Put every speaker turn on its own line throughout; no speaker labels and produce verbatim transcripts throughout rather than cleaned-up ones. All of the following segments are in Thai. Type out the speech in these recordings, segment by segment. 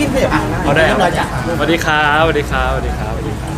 ขยับมาได้
เอาได้
เรียบร้อยจ้ะ
สวัสดีครับสวัสดีครับสวัสดีครับสวัสดีครับ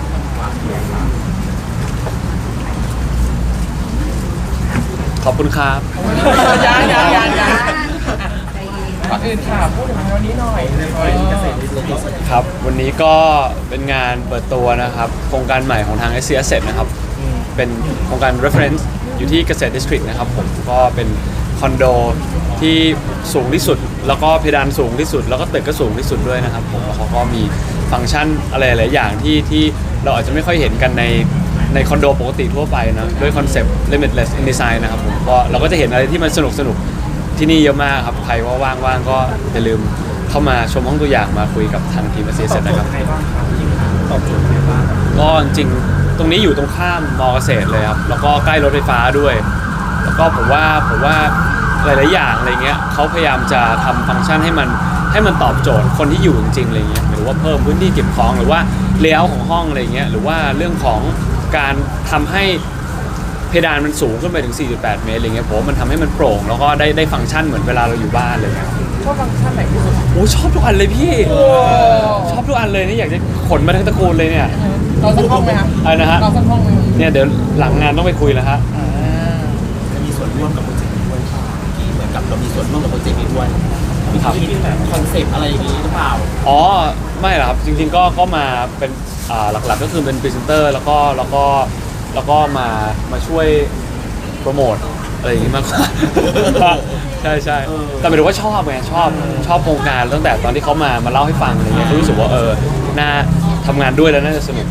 ขอบคุณครับ
ยังยังยังยังก่อนอื่นค่ะพูดถึงวันนี้หน่อยเกษตรอินทรีย์
ครับวันนี้ก็เป็นงานเปิดตัวนะครับโครงการใหม่ของทาง เอส ซี Asset นะครับเป็นโครงการ reference อยู่ที่เกษตร district นะครับผมก็เป็นคอนโดที่สูงที่สุด แล้วก็เพดานสูงที่สุด แล้วก็ตึกก็สูงที่สุดด้วยนะครับผมแล้วเขาก็มีฟังก์ชันอะไรหลายอย่างที่ที่เราอาจจะไม่ค่อยเห็นกันในในคอนโดปกติทั่วไปนะด้วยคอนเซปต์ limitless in design นะครับผมก็เราก็จะเห็นอะไรที่มันสนุกสนุกที่นี่เยอะมากครับใครว่าว่างๆก็อย่าลืมเข้ามาชมห้องตัวอย่างมาคุยกับทางทีม เอส ซี Asset นะครับ
ตอบโจทย์ยังไงบ้าง
ก็จริงๆตรงนี้อยู่ตรงข้ามมอเกษตรเลยครับแล้วก็ใกล้รถไฟฟ้าด้วยแล้วก็ผมว่าผมว่าหลายๆอย่างอะไรเงี้ยเขาพยายามจะทำฟังก์ชันให้มันให้มันตอบโจทย์คนที่อยู่จริงๆอะไรเงี้ยหรือว่าเพิ่มพื้นที่เก็บของหรือว่าเลเยอร์ของห้องอะไรเงี้ยหรือว่าเรื่องของการทำให้เพดานมันสูงขึ้นไปถึง สี่จุดแปด เมตรอะไรเงี้ยผมว่ามันทำให้มันโปร่งแล้วก็ได้ได้ฟังก์ชันเหมือนเวลาเราอยู่บ้านเลยครับ
ชอบฟังก์ชันไหนที่สุด
โอ้ชอบทุกอันเลยพี่ชอบทุกอันเลยนี่อยากจะขนมาทั้งตระกูลเลยเนี่ย
เราสักห้องไหมครับ
อะไรนะฮะ
เราสักห้องไหม
เนี่ยเดี๋ยวหลังงานต้องไปคุยแล้วฮะ
อ่า
จะมีส่วนร่วมกับโปรเจกต์นี้ด้วยค่ะที่เหมือนกับเรามีส่วนร่วมกับโปรเจกต์นี้ด้วยมี
ครับ
คิดแบบคอนเซปต์อะไรอย่างนี้หรือเปล่า
อ๋อไม่หรอกครับจริงๆก็ก็มาเป็นอ่าหลักๆก็คือเป็นพรีเซนเตอร์แล้วก็แล้วก็แล้วก็มามาช่วยโปรโมทอะไรอย่างงี้มากกว่า ใช่ใช่แต่หมายถึงว่าชอบไงชอบชอบโครงการตั้งแต่ตอนที่เขามามาเล่าให้ฟังอะไรเงี้ยก็รู้สึกว่าเออน่าทำงานด้วยแล้วน่าจะสนุก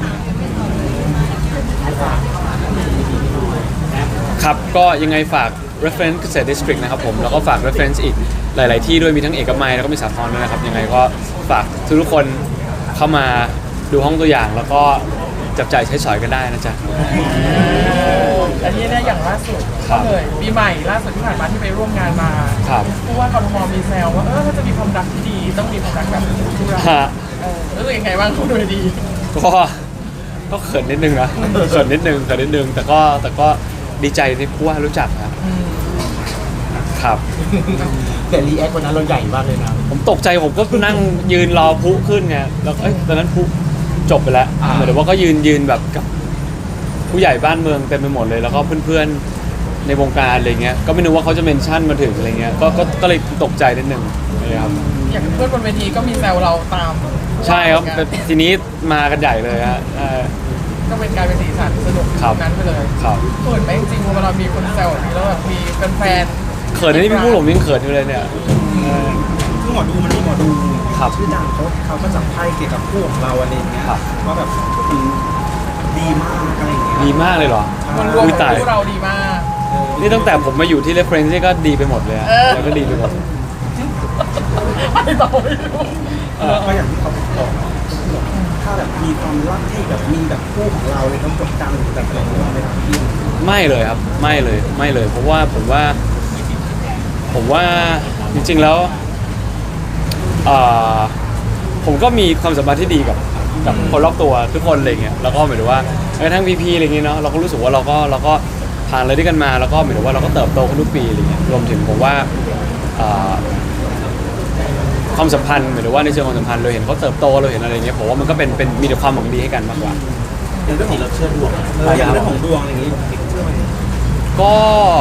ครับก็ยังไงฝาก reference เกษตร district นะครับผมแล้วก็ฝาก reference อีกหลาย ๆ ที่ด้วยมีทั้งเอกมัยแล้วก็มีสาทรด้วยนะครับยังไงก็ฝากทุกๆคนเข้ามาดูห้องตัวอย่างแล้วก็จับจ่ายใช้สอยกันได้นะจ๊ะ
อันนี้เนี่ยอย่างล่าสุด
ครั
ก็
บ
เลยปีใหม่ล่าสุดที่ผ่านมาที่ไปร่วมงานมา
ครับ
ผู้ว่ากทมมีแซวว่าเออถ้าจะมีความรักที่ดีต้องมีความรักแบบคู่รัก
ฮะ
เออรู้สึกยังไงบ้างคุณดูดี
ก็ก็เขินนิดนึงนะเขินนิดนึงเขินนิดนึงแต่ก็แต่ก็ดีใจที่ผู้ว่ารู้จักครับ
อืม
ครับ
แต่รีแอควันนั้นเราใหญ่มากเลยนะ
ผมตกใจผมก็นั่งยืนรอพลุขึ้นไงแล้วเอ้ยตอนนั้นพลุจบไปแล้ว
อ่า
เหมือนว่าก็ยืนยืนแบบกับผู้ใหญ่บ้านเมืองเต็มไปหมดเลย แล้วก็เพื่อนๆในวงการอะไรเงี้ยก็ไม่นึกว่าเขาจะเมนชั่นมาถึงอะไรเงี้ยก็ก็ก็เลยตกใจนิดนึงนะครับ
อย่างเพื่อนบนเวทีก็มีแซวเราตาม
ใช่ครับ
เหมือน
แต่
กัน
ทีนี้มากันใหญ่เลยฮะใช่
ก็เป็นการเป็นสีสันสนุก
ครับ
นั้นไปเลย
ครับ
เขินไหมจริงๆเวลามีคนแซวแบบนี้แล้วแบบมีแฟนๆ
เขินนี่พี่พูดผมยังเขินอยู่เลยเนี่ยเออ
คือหมอดูมันมีหมอดู
ครับ
ชื่อดังเขาเขาก็จับไพ่เกี่ยวกับคู่ของเราอะไรอย่างเงี้ย
ครับ
ว่าแบบอืมดีมากอะไรอย่างเงี้ย
ดีมากเลยเหรอ
มันรวม
อุ๊ย
ของ
ตาย
คู่เราดีมาก
นี่ตั้งแต่ผมมาอยู่ที่ reference นี่ก็ดีไปหมดเลยอะ
เออ
แล้วก็ดีไปหมด
ไม่ต่อไม่รู้
เออ
ก็อย่างที่เขาบอกถ้าแบบมีความรักที่แบบมีแบบคู่ของเราเลยต้องกดดันหรือแบบอะไรอย่างเงี้ยไม่ครับพี่
ไม่เลยครับไม่เลยไม่เลยเพราะว่าผมว่า ผมว่าจริงๆแล้วเอ่อผมก็มีความสัมพันธ์ที่ดีกับกับคนรอบตัวทุกคนอะไรเงี้ยแล้วก็หมายถึงว่าแม้กระทั่งพีๆอะไรเงี้ยเนาะเราก็รู้สึกว่าเราก็เราก็ผ่านอะไรด้วยกันมาแล้วก็หมายถึงว่าเราก็เติบโตขึ้นทุกปีอะไรเงี้ยรวมถึงผมว่าเอ่อความสัมพันธ์หมายถึงว่าในเชิงความสัมพันธ์เราเห็นเขาเติบโตเราเห็นอะไรเงี้ยผมว่ามันก็เป็นเป็นมีแต่ความหวังดีให้กันมากกว่า
ในเรื่องของเราเชื่อดวงเอออย่างเรื่องของดวงอะไรอย่างงี้เชื่อไหม
ก็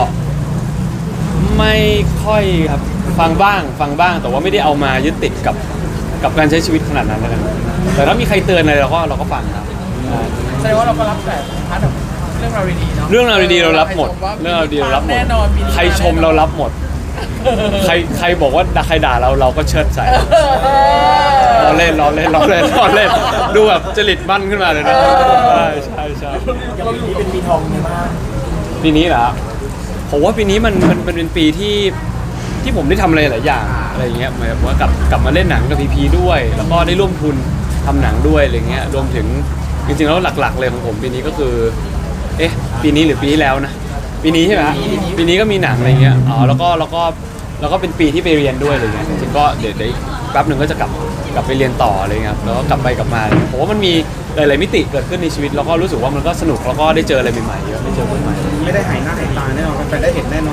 ไม่ค่อยครับฟังบ้างฟังบ้างแต่ว่าไม่ได้เอามายึดติดกับกับการใช้ชีวิตขนาดนั้นแล้วกันแต่ถ้ามีใครเตือนอะไรเราก็เราก็ฟังครับอ่า
แสดงว่าเราก็รับแต่พาร์ทแบบเรื่องราวดีๆเนาะ
เรื่องราวดีๆเรารับหมด
ใชว่า
เรื่องราวดีๆเรารับหมด
แน่นอนปีนี้
ใครชมเรารับหมด ใครใครบอกว่าใครด่าเราเราก็เชิดใส่เราเล่นเราเล่นเราเล่นเราเล่นดูแบบจริตมั่นขึ้นมาเลยนะใช่ใช่ใช่
อย่างนี้เป็นปีทองในบ้าน
ปีนี้เหรอผมว่าปีนี้มันมันมันเป็นปีที่ที่ผมได้ทำอะไรหลายอย่างอะไรอย่างเงี้ยหมายถึงว่ากลับกลับมาเล่นหนังกับพีพีด้วย แล้วก็ได้ร่วมทุนทำหนังด้วยอะไรเงี้ยรวมถึงจริงๆแล้วหลักๆเลยของผมปีนี้ก็คือเอ๊ะปีนี้หรือปีที่แล้วนะปีนี้ใช่ไหมฮะปีนี้ก็มีหนังอะไรเงี้ยอ๋อแล้วก็แล้วก็แล้วก็เป็นปีที่ไปเรียนด้วยอะไรเงี้ยจริงๆก็เดี๋ยวเดี๋ยวแป๊บหนึ่งก็จะกลับกลับไปเรียนต่ออะไรเงี้ยครับแล้วก็กลับไปกลับมาผมว่ามันมีหลายๆมิติเกิดขึ้นในชีวิตแล้วก็รู้สึกว่ามันก็สนุกแล้วก็ได้เจออะไรใหม่ๆเยอะได้เจอเพื่อนใหม่
ไม่ได้หายหน้าหายตาแน่นอนแฟนๆได้เห็นแน่นอน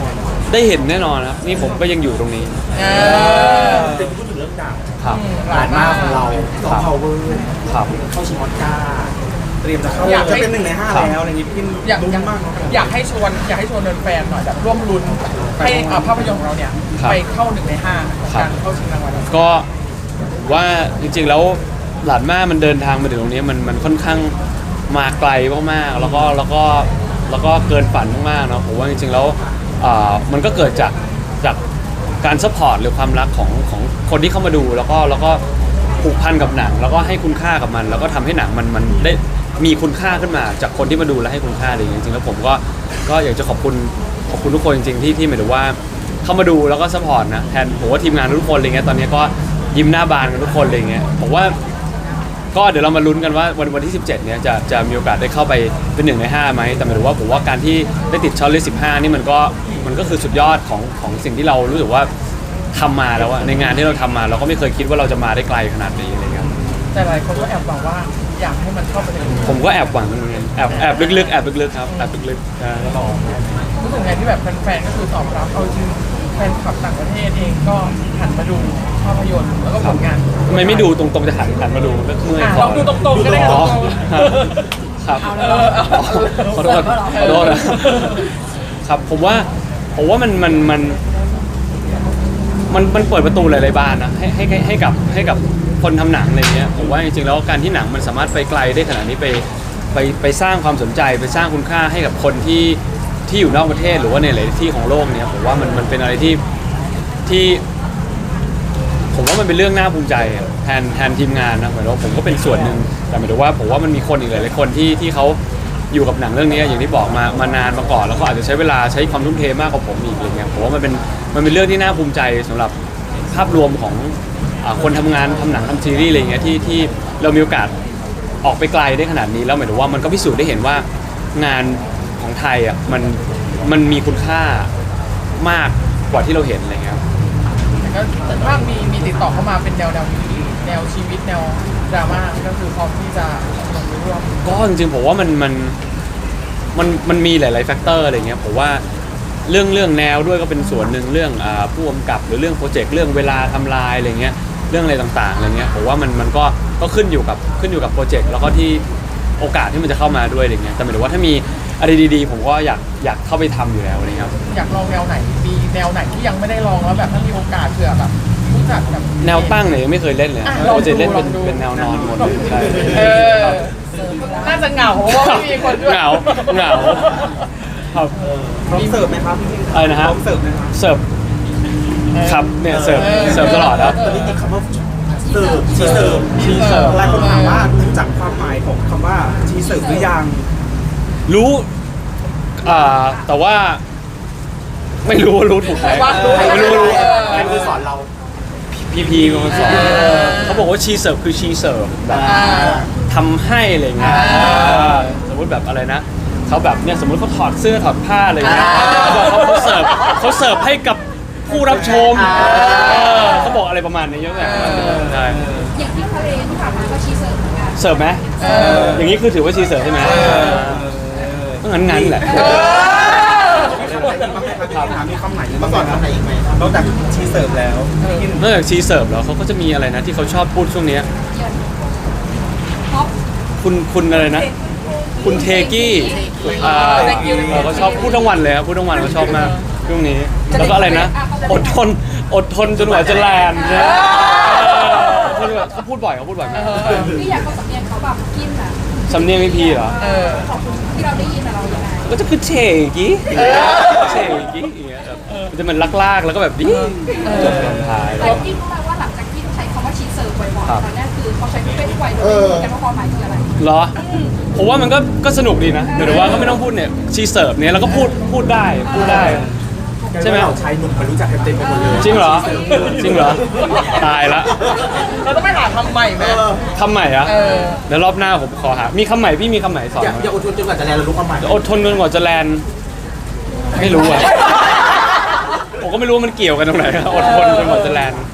ได้เห็นแน่นอนครับนี่ผมก็ยังอยู่ตรงนี้
เออ
แต่พูดถึงเรื่องดาว
ครับ
หลานมากของเราสองพาวเวอร์
ครับ
เข้าชิงออสการ์เตรียมจะเข้า
อยากให้
จะเป็นหนึ่งในห้าแล้วอะไรอย่างงี้พี่
อยาก
ลุ้
อยาน ก
มากเนอะ
อยากให้ชวนอยากให้ชวนแฟนๆหน่อยแบบร่วมลุ้นให้อ่าภาพยนตร์ของเราเนี่ย
ครับ
ไปเข้าหนึ่งในห้าของ
ครับ
การเข้าชิงรางวัล
ก็ว่าจริงๆแล้วหลานม่ามันเดินทางมาถึงตรงนี้มันมันค่อนข้างมาไกลมากๆแล้วก็แล้วก็แล้วก็เกินฝันมากๆเนาะผมว่าจริงๆแล้วอ่ามันก็เกิดจากจากการซัพพอร์ตหรือความรักของของคนที่เข้ามาดูแล้วก็แล้วก็ผูกพันกับหนัง แล้วก็ให้คุณค่ากับมัน แล้วก็ทำให้หนังมันมันได้มีคุณค่าขึ้นมาจากคนที่มาดูและให้คุณค่าอะไรอย่างเงี้ยจริงๆแล้วผมก็ก็อยากจะขอบคุณขอบคุณทุกคนจริงๆที่ที่หมายถึงว่าเข้ามาดูแล้วก็ซัพพอร์ตนะแทนผมว่าทีมงานทุกคนอะไรเงี้ยตอนนี้ก็ยิ้มหน้าบานกันทุกคนอะไรเงี้ยผมว่าก็เดี๋ยวเรามาลุ้นกันว่าวันวันที่สิบเจ็ดเนี้ยจะจะมีโอกาสได้เข้าไปเป็นหนึ่งในห้าไหมแต่หมายถึงว่าผมว่าการที่ได้ติดช็อตลิสต์สิบห้านี่มันก็มันก็คือสุดยอดของของสิ่งที่เรารู้สึกว่าทำมาแล้วอะในงานที่เราทำมาเราก็ไม่เคยคิดว่าเราจะมาได้ไกลขนาดนี้อะไรเงี้ย
แต่หลายคนก็แอบหวังว่าอยากให้มันเข้าไปใน
ผมก็แอบหวังเหมือนกันแอบแอบลึกๆแอบลึกๆครับแอบลึกๆใช่
รู้สึกไงที่แบบแฟนๆก็คือตอบรับเอาจริงแฟนคลับต่างประเทศเองก็หันมาดูภาพยนตร์แล้วก็ผลงาน
ทำไมไม่ดูตรงๆจะหันหันมาดูเมื่อย
อ่ะ
ค
ลองดูตรงๆก็ได้
อ๋อ
ครับ
ครับ
เออเอา
ขอโทษขอโทษนะครับผมว่าผมว่ามันมันมันมันมันเปิดประตูหลายๆบานนะให้ให้ให้ให้กับให้กับคนทำหนังอะไรเงี้ยผมว่าจริงๆแล้วการที่หนังมันสามารถไปไกลได้ขนาดนี้ไปไปไปสร้างความสนใจไปสร้างคุณค่าให้กับคนที่ที่อยู่นอกประเทศหรือว่าในหลายที่ของโลกเนี่ยผมว่ามันมันเป็นอะไรที่ที่ ผมว่ามันเป็นเรื่องน่าภูมิใจแทนแทนทีมงานนะหมายถึงว่าผมก็เป็นส่วนหนึ่งแต่หมายถึงว่าผมว่ามันมีคนอีกหลายๆคนที่ที่เขาอยู่กับหนังเรื่องนี้อย่างที่บอกมามานานมาก่อนแล้วก็อาจจะใช้เวลาใช้ความทุ่มเทมากกว่าผมอีกอะไรเงี้ยผมว่ามันเป็นมันเป็นเรื่องที่น่าภูมิใจสำหรับภาพรวมของอ่าคนทำงานทำหนังทำซีรีส์อะไรเงี้ยที่ที่เรามีโอกาสออกไปไกลได้ขนาดนี้แล้วหมายถึงว่ามันก็พิสูจน์ได้เห็นว่างานของไทยอ่ะมันมันมีคุณค่ามากกว่าที่เราเห็นอะไรเงี้ย
แต่ก็แต่ถ้ามีมีติดต่อเข้ามาเป็นแนวแนวนี้แนวชีวิตแนวดราม่าก็คือพร้อมที่จะลงร่วม
ก็จริงๆผมว่ามันมันมันมันมีหลายๆแฟกเตอร์อะไรเงี้ยผมว่าเรื่องเรื่องแนวด้วยก็เป็นส่วนหนึ่งเรื่องอ่าผู้กำกับหรือเรื่องโปรเจกต์เรื่องเวลาทำลายอะไรเงี้ยเรื่องอะไรต่างๆอะไรเงี้ยผมว่ามันมันก็ก็ขึ้นอยู่กับขึ้นอยู่กับโปรเจกต์แล้วก็ที่โอกาสที่มันจะเข้ามาด้วยอะไรเงี้ยแต่หมายถึงว่าถ้ามีอะไรดีๆผมก็อยากอยากเข้าไปทำอยู่แล้วอะไรเงี้ยครับ
อยากลองแนวไหนมีแนวไหนที่ยังไม่ได้ลองแล้วแบบถ้ามีโอกาสเผื่อแบบรู้จักแบบ
แนวตั้งเนี่ยยังไม่เคยเล่นเลย
อ่ะ
เราจะเล่น
ล
เป็
อน งดู
เป็นแนวนอนหมดเลยใช่
เออน่าจะเหงาเพราะว่าไม่มีคนด้วย
เหงาเหงาครับ
พร้อมเสิร์ฟไหมครับพี่
อะไรนะฮะ
พร้อมเสิร์ฟไหมครับ
เสิร์ฟครับเนี่ยเสิร์ฟเสิร์ฟตลอดครับ
ตอนนี้มีคำว่าเสิร์ฟชีเสิร์ฟ
ชีเสิร์ฟ
หลายคนถามว่ารู้จักความหมายของคำว่าชีเสิร์ฟหรือยัง
รู้อ่าแต่ว่า ไม่รู้ว่ารู้ถูกไหม
ว่ารู้
ไม่รู้รู้
เออ
ใครคือสอนเรา
พีพีเป็นคนสอน
เออ
เขาบอกว่าชีเสิร์ฟคือชีเสิร์ฟแบบ
อ่า
ทำให้อะไรเงี้ย
อ่า
เออสมมติแบบอะไรนะเขาแบบเนี่ยสมมติเขาถอดเสื้อถอดผ้าอะไรเงี้ย
อ่า
เขาบอกเขาเขาเสิร์ฟเขาเสิร์ฟให้กับผู้รับชม
อ่า
เออเขาบอกอะไรประมาณนี้เยอะแยะใช่
อย่างที่ทะเลที่ผ่านมาก็ชีเสิร์ฟเหมือนกัน
เสิร์ฟไหม
เออ
อย่างนี้คือถือว่าชีเสิร์ฟใช่ไหมก็งั้นงั้นๆแหละ
เออ
ถามมีคำไหนมาสอนคำไหนอีกไหมนอกจากชีเสิร์ฟแล้ว
นอกจากชีเสิร์ฟแล้วเขาก็จะมีอะไรนะที่เขาชอบพูดช่วงเนี้ย
ท็อป
คุณคุณอะไรนะ คุณเทกี้อ่า
Thank you
เออเขาชอบพูดทั้งวันเลยครับพูดทั้งวันเขาชอบมากช่วงนี้ แล้วก็อะไรนะ อดทนอดทนจนกว่าจะแลนด์เนี่ยเออเขาเขาพูดบ่อยเขาพูดบ่อยมาก
พี่อยากเขาสำเนียงเขาแบบกินอ่ะ
สำเนียงพี่พีเหรอ
เออ
ขอบคุณที่เราได้ยินแต่เราอย่างไร
ก็จะคือเทกี้เทกี้อย่างเงี้ยแบบมันจะมันลากๆแล้วก็แบบดิจบตอนท้าย
แต่กินรู้ไหมว่าหลังจากที่ใช้คำว่าชีเสิร์ฟบ่อยๆ
ครับ
ตอนนี้คือเขาใช้เป็นทุกวัยโดยไม่รู้กันว่าความหมายคืออะไร
เหรอ ผมว่ามันก็ก็สนุกดีนะหรือว่าก็ไม่ต้องพูดเนี่ยชีเสิร์ฟเนี่ยแล้วก็พูดพูดได้พูดได้ ใช่ไหม
เราชายหนุ่มมารู้จักกันเต็มไปหมดเลย
จริงเหรอ จริงเหรอ ตายละ
เราต้องไปหาคำใหม่ไหม
คำใหม่อะ
เออ
เดี๋ยวรอบหน้าผมขอหา มีคำใหม่พี่มีคำใหม่สอน
อย่า
ไหม
อย่าอดทนจนกว่าจะแลนเราลุกเอาใหม่
อดทนจนกว่าจะแลนด์ไม่รู้อะผมก็ไม่รู้ว่ามันเกี่ยวกันตรงไหนอะอดทนจนกว่าจะแลนด์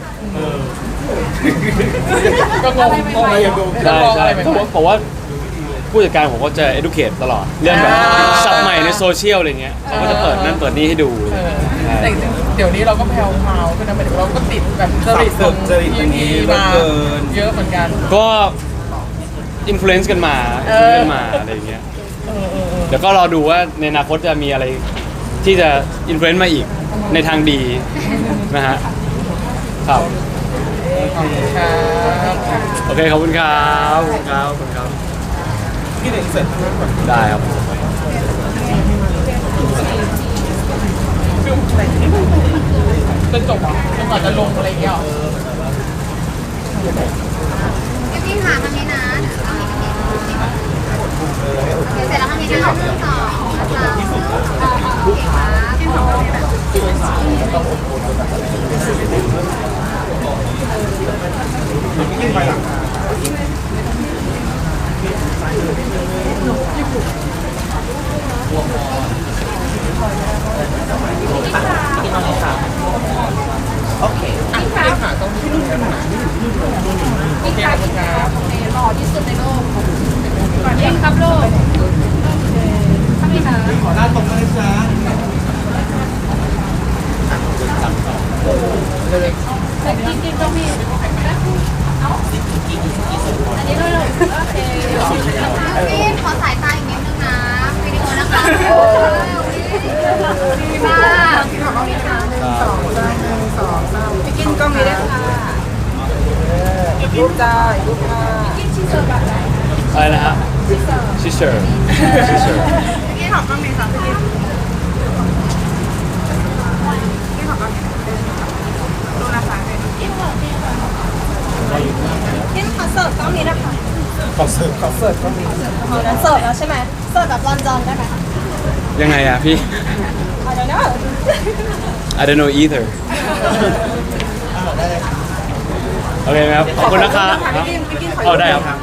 ก็งงงง
อะไรอย่างงง
ใช่ใช่
ไม่
เพราะว่าเพราะว่าผู้จัดการผมก็จะ educate ตลอด เรื่องแบบ
อ่า
ศัพท์ใหม่ในโซเชียลอะไรเงี้ยเขาก็จะเปิดนั่นเปิดนี่ให้ดู
เออแต่จริงๆเดี๋ยวนี้เราก็แพลวพราวขึ้นนะหมายถึงเราก็ติดแบบจริตของพีพีมาเยอะเหมือนกัน
ก็อิ f ฟ u เ n นซ์กันมา
เอ
อิ
อ
กันมาอะไรอย่างเงี้ย
เออเออเออ
เดี๋ยวก็รอดูว่าในอนาคตจะมีอะไรที่จะอิ f ฟ u เ n นซ์มาอีกในทางดีนะฮะครับ
ขอบคุณครับ
โอเคขอบคุณครับขอบคุณครับขอบคุณครับ
พี่เด็กเสร็จ
ได้ครับ
จนจบอ่ะจนกว่าจะลงอะไรอย่างเงี้ยหรอ
พี่ค่ะทางนี้นะเดี๋ยวเสร็จแล้วทางนี้นะคะหนึ่งสองสามโอเคครับที่สองแบบ
โอเค
อ่ะพี่ขาต้องพี่นุ่นขึ้นมา
อีกครั้งอีกครั้งโอเคหล่อที่สุดในโลกก่อนเองครับโลกทำไมคะ
ขอหน้าตรงมาเลยจ้า
แต่กินกินก็มีเอ้าอันนี้เลยโอเค
พี่ขอสายตาอีกนิดนึงนะวิดีโอนะคะดีมาก
พี่กินก็มีได้ค่ะ
รูปจ้ารูปจ้า
กินชิ้นเสิร์ฟแบบไหน
อะไรนะฮะชิเชอร์ชิเชอร์
พี่ขอบคุณค่ะพี่พี่ขอบคุณดูนะคะพี่ขอเสิร์ฟกล้องนี้นะคะ
ขอเสิร์ฟขอเสิร์ฟก็มี
เอานะเสิร์ฟแล้วใช่ไหมเสิร์ฟแบบรอนจอนได้ไหม
ยังไงอะพี่
I don't know
I don't know either โอเคไหมครับ ขอบคุณนะครับเอาได้ครับ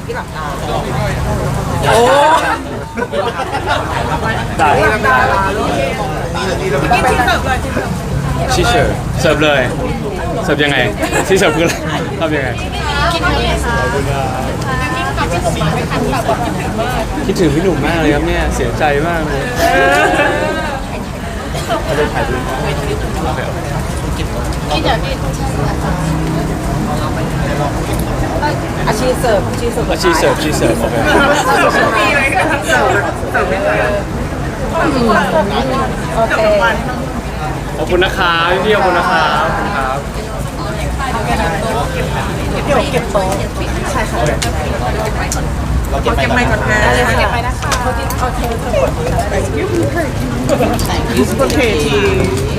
โอ้ได้
พี่ชิ้นเสิร์ฟเลยชิ้นเสิร์ฟ
ชิเชอร์เสิร์ฟเลย เสิร์ฟยังไงชิเสิร์ฟคืออะไรทำยังไง
กินอะไรคะ
คิดถึงพี่หนุ่มมากเลยครับเนี่ย เสียใจมากเลยเอาไปถ่ายรูปโอเคโอเค
กินอย่างนี้
อาชีพเสิร์ฟอาชีพเสิร์ฟ
อาชีพเสิร์ฟชีเสิร์ฟโอเค
มีไหมเสิร์ฟเสิร์ฟไม่เลยโอเค
ขอบคุณนะครับพี่ๆขอบคุณนะครับขอบคุณครับ
เดี๋ยวเก็บโต๊ะใช่ค่ะ
เราเก็บไป
เก็บไมค์ก่อนนะ
เก็บไปนะคะ
โอเคโอเคโอเคที